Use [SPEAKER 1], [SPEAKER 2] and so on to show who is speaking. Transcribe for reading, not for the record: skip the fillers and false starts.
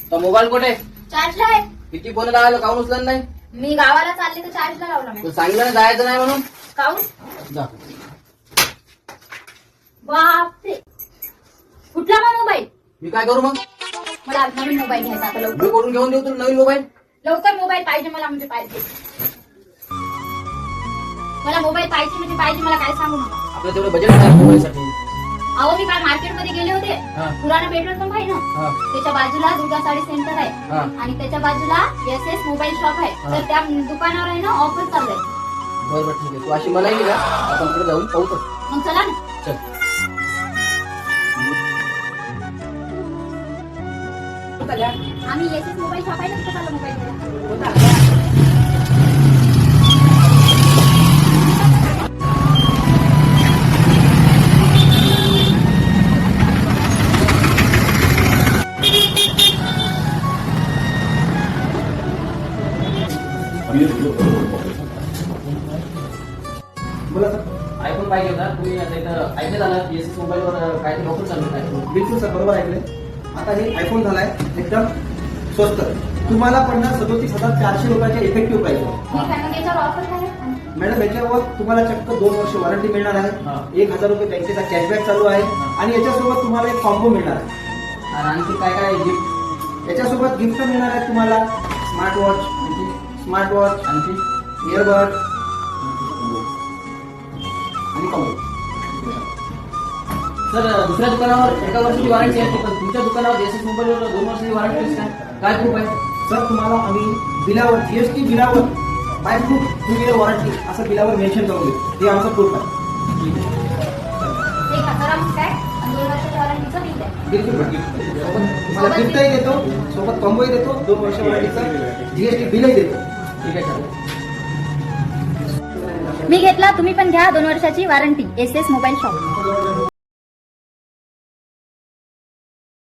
[SPEAKER 1] तो मोबाईल कुठे?
[SPEAKER 2] चार्जला आहे.
[SPEAKER 1] किती फोन लावलं काऊन उचलत नाही?
[SPEAKER 2] मी गावाला चालले तर चार्जला लावला नाही.
[SPEAKER 1] तू सांगितलं ना जायचं नाही म्हणून.
[SPEAKER 2] काऊन?
[SPEAKER 1] जा.
[SPEAKER 2] बापरे, कुठला मग मोबाईल?
[SPEAKER 1] मी काय करू मग?
[SPEAKER 2] मला आज नवीन मोबाईल घ्यायचा आता
[SPEAKER 1] मी
[SPEAKER 2] लवकर.
[SPEAKER 1] कोठून घेऊन देऊ तुला नवीन मोबाईल?
[SPEAKER 2] लवकर मोबाईल पाहिजे मला, म्हणजे पाहिजे मला मोबाईल पाहिजे, म्हणजे पाहिजे मला, काय सांगू नका.
[SPEAKER 1] आपलं तेवढं बजेट नाही मोबाईलसाठी.
[SPEAKER 2] अहो मी काल मार्केटमध्ये गेले होते.
[SPEAKER 1] हा.
[SPEAKER 2] पुराणा पेट्रोल पंप आहे ना,
[SPEAKER 1] हा.
[SPEAKER 2] त्याच्या बाजूला दुर्गा साडी सेंटर आहे.
[SPEAKER 1] हा.
[SPEAKER 2] आणि त्याच्या बाजूला SS मोबाईल शॉप आहे.
[SPEAKER 1] हा.
[SPEAKER 2] तर त्या दुकानावर आहे ना ऑफर चालू आहे.
[SPEAKER 1] बरोबर ठीक आहे. तू अशी मला येईल का? आपण पुढे जाऊन पाहू तर.
[SPEAKER 2] मग चला ना.
[SPEAKER 1] चल.
[SPEAKER 2] आम्ही SS मोबाईल शॉप आहे ना, तिथं चाललो मोबाईल घ्यायला.
[SPEAKER 3] बोला सर.
[SPEAKER 1] आयफोन पाहिजे होता. तुम्ही आता इथं ऐकलं झालं SS मोबाईलवर काहीतरी ऑफर चालू आहे.
[SPEAKER 3] बिलकुल सर, बरोबर ऐकले. आता हे आयफोन झालाय एकदम स्वस्त. तुम्हाला पडणार 37,400 रुपयाचे इफेक्टिव्ह प्राइस.
[SPEAKER 2] ठीक आहे, मग याच्यावर ऑफर काय आहे?
[SPEAKER 3] मॅडम याच्यावर तुम्हाला चक्क 2 वर्ष वॉरंटी मिळणार
[SPEAKER 1] हा.
[SPEAKER 3] आहे. 1,000 रुपये बँकेचा कॅशबॅक चालू आहे. आणि याच्यासोबत तुम्हाला एक कॉम्बो मिळणार आहे.
[SPEAKER 1] आणि आणखी काय काय गिफ्ट?
[SPEAKER 3] याच्यासोबत गिफ्ट मिळणार आहे तुम्हाला स्मार्ट वॉच,
[SPEAKER 1] आणखी
[SPEAKER 3] इयरबड आणि कॉम्बो.
[SPEAKER 1] सर दुसऱ्या दुकानावर 1 वर्षाची वॉरंटी आहे, पण तुमच्या दुकानावर SS मोबाईलवर 2 वर्षाची वॉरंटी आहे काय? काय प्रूफ आहे?
[SPEAKER 3] सर तुम्हाला आम्ही बिलावर GST बिलावर बाय प्रूफ 2 इयर वॉरंटी असं बिलावर मेन्शन करून देऊ. हे आमचं प्रूफ आहे.
[SPEAKER 2] एक 1000 मग काय आणि 2 वर्षाच्या वॉरंटीचं बिल आहे.
[SPEAKER 3] बिलकुल तुम्हाला गिफ्टही देतो, सोबत कॉम्बोही देतो, 2 वर्ष वॉरंटीचं GST बिलही देतो.
[SPEAKER 1] ठीक आहे चालेल.
[SPEAKER 2] मी घेतला, तुम्ही पण घ्या 2 वर्षाची वॉरंटी SS मोबाईल शॉप.